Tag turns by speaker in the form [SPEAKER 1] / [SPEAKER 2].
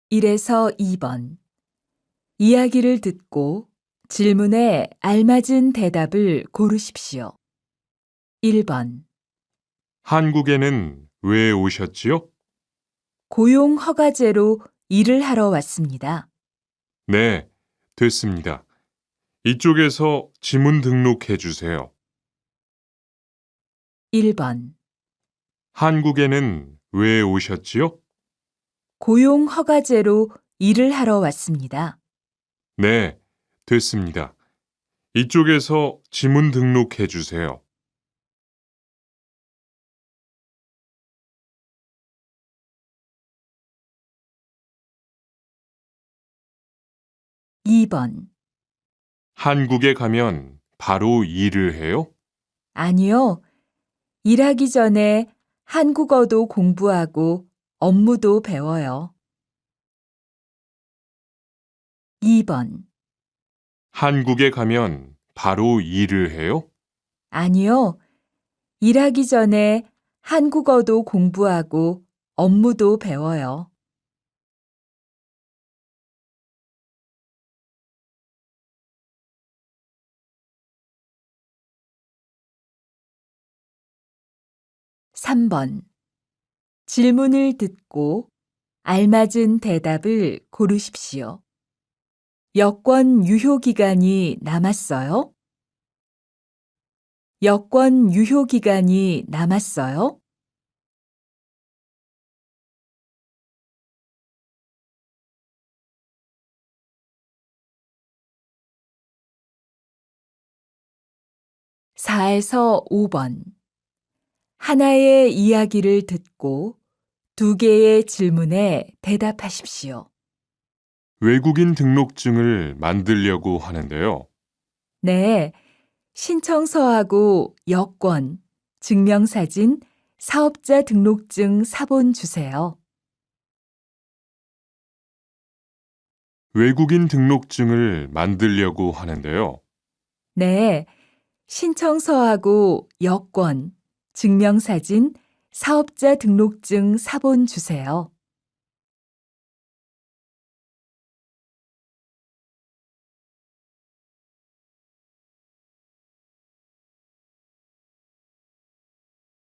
[SPEAKER 1] 1에서 2번. 이야기를 듣고 질문에 알맞은 대답을 고르십시오. 1번.
[SPEAKER 2] 한국에는 왜 오셨지요?
[SPEAKER 1] 고용 허가제로 일을 하러 왔습니다.
[SPEAKER 2] 네, 됐습니다. 이쪽에서 지문 등록해 주세요.
[SPEAKER 1] 1번.
[SPEAKER 2] 한국에는 왜 오셨지요?
[SPEAKER 1] 고용 허가제로 일을 하러 왔습니다.
[SPEAKER 2] 네, 됐습니다. 이쪽에서 지문 등록해 주세요.
[SPEAKER 1] 2번.
[SPEAKER 2] 한국에 가면 바로 일을 해요?
[SPEAKER 1] 아니요. 일하기 전에 한국어도 공부하고 업무도 배워요. 2번.
[SPEAKER 2] 한국에 가면 바로 일을 해요?
[SPEAKER 1] 아니요. 일하기 전에 한국어도 공부하고 업무도 배워요. 3번. 질문을 듣고 알맞은 대답을 고르십시오. 여권 유효 기간이 남았어요? 여권 유효 기간이 남았어요? 4에서 5번. 하나의 이야기를 듣고 두 개의 질문에 대답하십시오.
[SPEAKER 2] 외국인 등록증을 만들려고 하는데요.
[SPEAKER 1] 네, 신청서하고 여권, 증명사진, 사업자 등록증 사본 주세요.
[SPEAKER 2] 외국인 등록증을 만들려고 하는데요.
[SPEAKER 1] 네, 신청서하고 여권, 증명사진, 사업자 등록증 사본 주세요.